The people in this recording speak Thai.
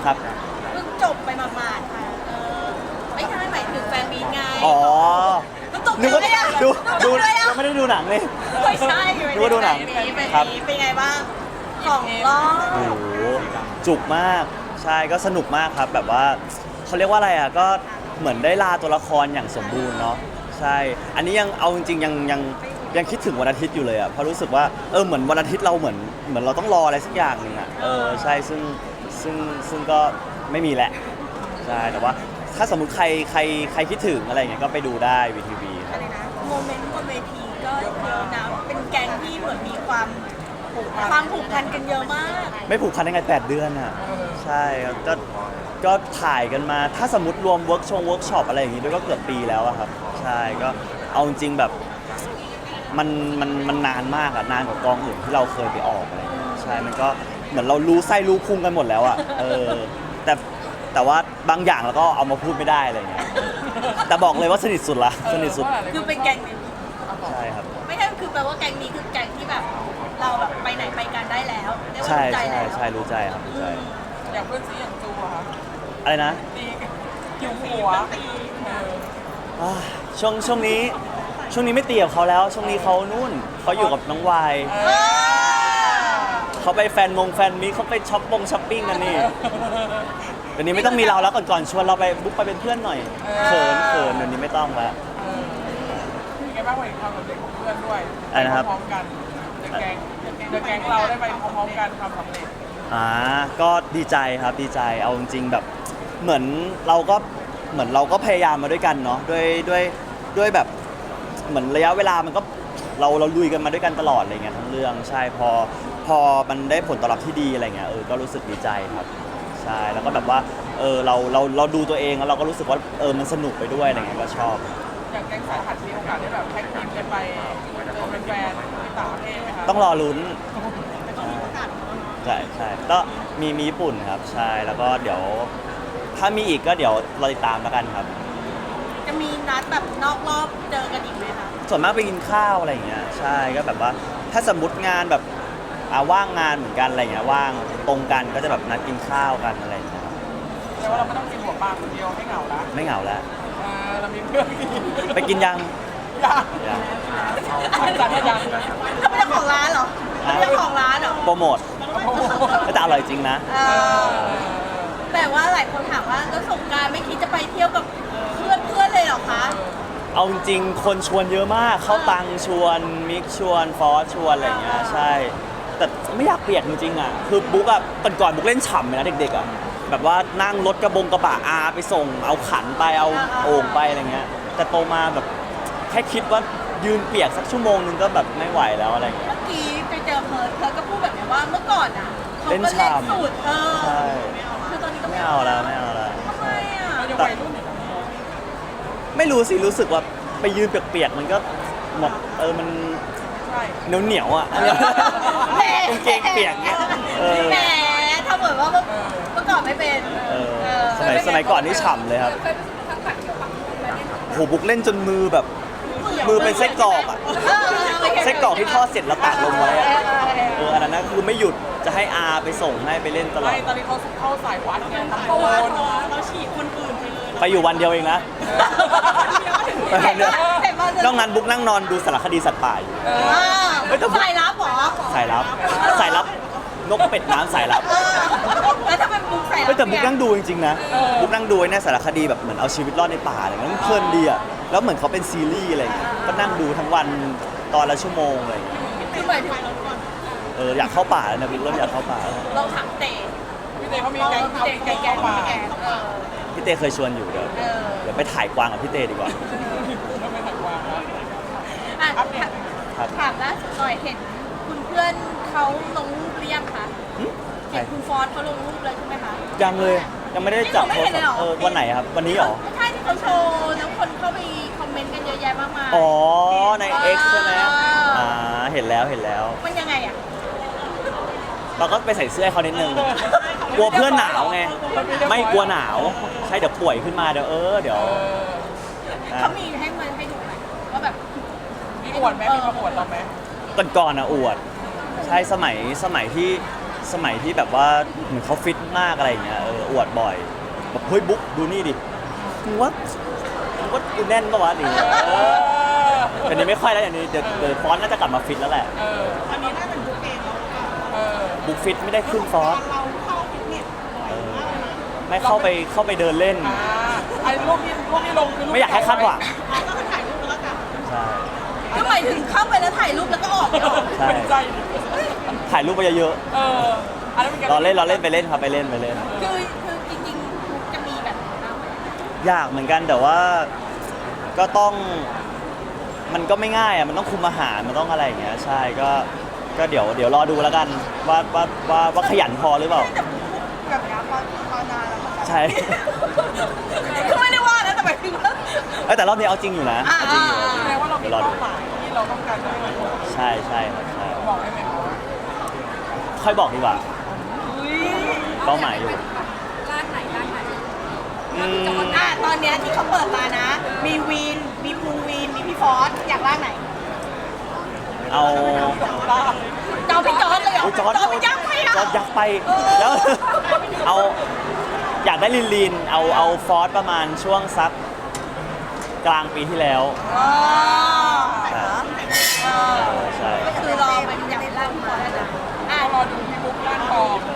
ครับเพิ่งจบไปหมาดๆค่ะไม่ใช่หมายถึงแฟนมีตไงอ๋อมันตกนึกว่าใจอะดูตกใจอะยังไม่ได้ดูหนังเลยไม่ใช่นึกว่าดูหนังเป็นครับเป็นไงบ้างของรอโอ้บโหจุกมากใช่ก็สนุกมากครับแบบว่าเขาเรียกว่าอะไรอ่ะก็เหมือนได้ลาตัวละครอย่างสมบูรณ์เนาะใช่อันนี้ยังเอาจริงๆยังคิดถึงวันอาทิตย์อยู่เลยอ่ะเพราะรู้สึกว่าเหมือนวันอาทิตย์เราเหมือนเราต้องรออะไรสักอย่างหนึ่งอ่ะใช่ซึ่งก็ไม่มีแหละใช่แต่ว่าถ้าสมมุติใครคิดถึงอะไรอย่างเงี้ยก็ไปดูได้วีทีวีครับโมเมนต์บนเวทีก็เยอะนะเป็นแก๊งที่เหมือนมีความผูกพันกันเยอะมากไม่ผูกพันได้ไง8 เดือนอ่ะใช่ครับก็ถ่ายกันมาถ้าสมมติรวมเวิร์กช็อปอะไรอย่างงี้ด้วยก็เกือบปีแล้วอะครับใช่ก็เอาจริงๆแบบมันนานมากอะนานกว่ากองอื่นที่เราเคยไปออกอะไรอย่างเงี้ยใช่มันก็เหมือนเรารู้ไส้รู้พุงกันหมดแล้วอะแต่ว่าบางอย่างเราก็เอามาพูดไม่ได้อะไรอย่างเงี้ยแต่บอกเลยว่าสนิทสุดละสนิทสุดคือเป็นแก๊งนี้ใช่ครับไม่ใช่คือแปลว่าแก๊งนี้คือแก๊งที่แบบเราแบบไปไหนไปกันได้แล้วเรียกว่าใช่รู้ใจใช่แล้วใช่รู้ใจครับรู้ใจอย่างเพื่อนซีอย่างจูอะคะอะไรนะตีหิวหัวช่วงนี้ไม่ตีกับเขาแล้ว ช่วงนี้เขานู่นเขาอยู่กับน้องวายเขาไปแฟนมีเขาไปช้อปปิ้งกันนี่เดี๋ยวนี้ไม่ต้องมีเราแล้วก่อนชวนเราไปบุ๊กไปเป็นเพื่อนหน่อยเขินเดี๋ยวนี้ไม่ต้องแล้วเป็นไงบ้างวันนี้ความสำเร็จของเพื่อนด้วยอะไรนะครับพร้อมๆกันเดอะแก๊งเราได้ไปพร้อมๆกันความสำเร็จก็ดีใจครับดีใจเอาจริงๆแบบเหมือนเราก็พยายามมาด้วยกันเนาะด้วยแบบเหมือนระยะเวลามันก็เราลุยกันมาด้วยกันตลอดอะไรเงี้ยทั้งเรื่องใช่พอมันได้ผลตอบรับที่ดีอะไรเงี้ยก็รู้สึกดีใจครับใช่แล้วก็แบบว่าเราดูตัวเองแล้วเราก็รู้สึกว่ามันสนุกไปด้วยอะไรเงี้ยก็ชอบอย่างแก๊งสายหัดมีโอกาสได้แบบแท็กทีมกันไปเจอแฟนๆที่ต่างประเทศไหมคะต้องรอลุ้นใช่ก็มีญี่ปุ่นครับใช่แล้วก็เดี๋ยวถ้ามีอีกก็เดี๋ยวเราติดตามแล้วกันครับจะมีนัดแบบนอกรอบเจอกันอีกไหมคะส่วนมากไปกินข้าวอะไรอย่างเงี้ยใช่ก็แบบว่าถ้าสมมติงานแบบว่างงานเหมือนกันอะไรเงี้ยว่างตรงกันก็จะแบบนัดกินข้าวกันอะไรอย่างเงี้ยครับแต่ว่าเราไม่ต้องกินหัวปลาคนเดียวให้เหงาละไม่เหงาแล้วเรามีเพื่อนกินไปกินยังยังยังจัดให้ยังเขาเป็นเจ้าของร้านเหรอเขาเป็นเจ้าของร้านเหรอโปรโมทแต่อร่อยจริงนะแต่ว่าหลายคนถามว่าแล้วสงกรานต์ไม่คิดจะไปเที่ยวกับเพื่อนเลยเหรอคะเอาจริงๆคนชวนเยอะมากเข้าตังชวนมิกชวนฟอสชวนอะไรอย่างเงี้ยใช่แต่ไม่อยากเปียกจริงๆอ่ะคือบุ๊กอ่ะก่อนบุ๊กเล่นฉ่ำเลยนะเด็กๆอ่ะแบบว่านั่งรถกระบะอาไปส่งเอาขันไปเอาโอ่งไปอะไรเงี้ยแต่โตมาแบบแค่คิดว่ายืนเปียกสักชั่วโมงนึงก็แบบไม่ไหวแล้วอะไรเงี้ยเมื่อกี้ไปเจอเพิร์ดก็พูดแบบนี้ว่าเมื่อก่อนอ่ะเขาก็เล่เล่นนฉ่ำสูตรใช่คือตอนนี้ก็ไม่เอาแล้วไม่เอาแล้วทำไมอ่ะเรายังวัยรุ่นอยู่นะไม่รู้สิรู้สึกว่าไปยืนเปียกๆมันก็หมดมันใช่เหนียวอ่ะแหมกางเกงเปียกเนี่ยแหมถ้าเหมือนว่าเมื่อก่อนไม่เป็นสมัยก่อนนี่ฉ่ำเลยครับโหบุกเล่นจนมือแบบมือเป็นไส้กรอกอ่ะไส้กรอกที่ทอดเสร็จแล้วตากลงไว้อะอันนั้นนะคือไม่หยุดจะให้อาไปส่งให้ไปเล่นตลอดไม่ตอนนี้เขาเข้าสายวัดไงทำโกนเราฉีดคนอื่นไปเลยไปอยู่วันเดียวเองนะเห็นว่านอกนั้นบุ๊กนั่งนอนดูสารคดีสัตว์ป่าอยู่สายลับเหรอสายลับนกเป็ดน้ำสายลับแล้วถ้าเป็นบุ๊กสายลับแต่บุ๊กนั่งดูจริงๆนะบุ๊กนั่งดูไอ้เนี่ยสารคดีแบบเหมือนเอาชีวิตรอดในป่าอะไรเงี้ยมันเพลินดีอ่ะแล้วเหมือนเขาเป็นซีรีส์อะไรเงี้ยก็นั่งดูทั้งวันตอนละชั่วโมงอะไรเงี้ยคือหมายถึงอยากเข้าป่าแล้วนะบุ๊กเริ่มอยากเข้าป่าแล้วเราถามเตะพี่เต้เขามีแก๊งทำแก๊งมาพี่เต้เคยชวนอยู่เดี๋ยวไปถ่ายกวางกับพี่เต้ดีกว่าแล้วไม่ถักวางแล้วอ่ะครับถามล่าสุดหน่อยเห็นคุณเพื่อนเขาลงรูปหรือยังคะใครเห็นคุณฟอสเขาลงรูปแล้วใช่ไหมคะยังเลยยังไม่ได้จับไม่โทรเห็นเลยศัเหรพอท์วันไหนครับวันนี้เหรอไม่ใช่ที่เขาโชว์แล้วคนเข้าไปคอมเมนต์กันเยอะแยะมากมายอ๋อใน X ใช่ไหมเห็นแล้วมันยังไงอ่ะเราก็ไปใส่เสื้อให้เขานิดนึงกลัวเพื่อนหนาวไงไม่กลัวหนาวใช่เดี๋ยวป่วยขึ้นมาเดี๋ยวเดี๋ยวเขามีให้มันให้ดูไหมว่าแบบมีอวดไหมมีมาอวดเราไหมก่อนอ่ะอวดใช่สมัยที่สมัยที่แบบว่าเหมือนเขาฟิตมากอะไรอย่างเงี้ยอวดบ่อยแบบเฮ้ยบุ๊กดูนี่ดิมึงว่ากูแน่นปะวะนี่แต่นี้ไม่ค่อยแล้วอย่างนี้เดี๋ยวฟอนต์น่าจะกลับมาฟิตแล้วแหละอันนี้น่าเป็นบุ๊กเองแล้วค่ะบุ๊กฟิตไม่ได้ขึ้นฟอนต์เราเข้าฟิตเนสบ่อยมากเลยนะไม่เข้าไปเดินเล่นไอ้รูปที่ลงคือรูปไม่อยากให้คาดหวังก็คือถ่ายรูปแล้วกันใช่ก็หมายถึงเข้าไปแล้วถ่ายรูปแล้วก็ออกเนี่ยหรอใช่เป็นใจถ่ายรูปไปเยอะอันนั้นเป็นการๆเราเล่นไปเล่นครับไปเล่นคือจริงๆจะมีแบบนั้นบ้างไหมยากเหมือนกันแต่ว่าก็ต้องมันก็ไม่ง่ายอ่ะมันต้องคุมอาหารมันต้องอะไรอย่างเงี้ยใช่ก็เดี๋ยวรอดูแล้วกันว่าขยันพอหรือเปล่าแบบนี้พอนานแล้วมันแบบใช่คือไม่ได้ว่านะแต่หมายถึงว่าแต่รอบนี้เอาจริงอยู่นะเอาจริงอยู่แสดงว่าเรามีเดี๋ยวรอเป้าดูหมายที่เราต้องการจะให้มันใช่ครับใช่บอกได้ไหมครับค่อยบอกดีกว่าอุ้ยเป้าหมายอยู่อืมตอนเนี้ยที่เขาเปิดมานะ มีวีนมีภูวีนมีพี่ฟอสอยากร่างไหนเอาเจ้าพี่จอร์ดเลยเหรออุ๊ยจอร์ดไปยักษ์ไปอ่ะจอร์ดยักษ์ไปแล้วเอาอยากได้ลีนเอาฟอสประมาณช่วงสักกลางปีที่แล้วอ๋อใช่ก็คือรอเป็นอยากร่างมาแล้วนะรอดูพี่บุ๊กร่างทอง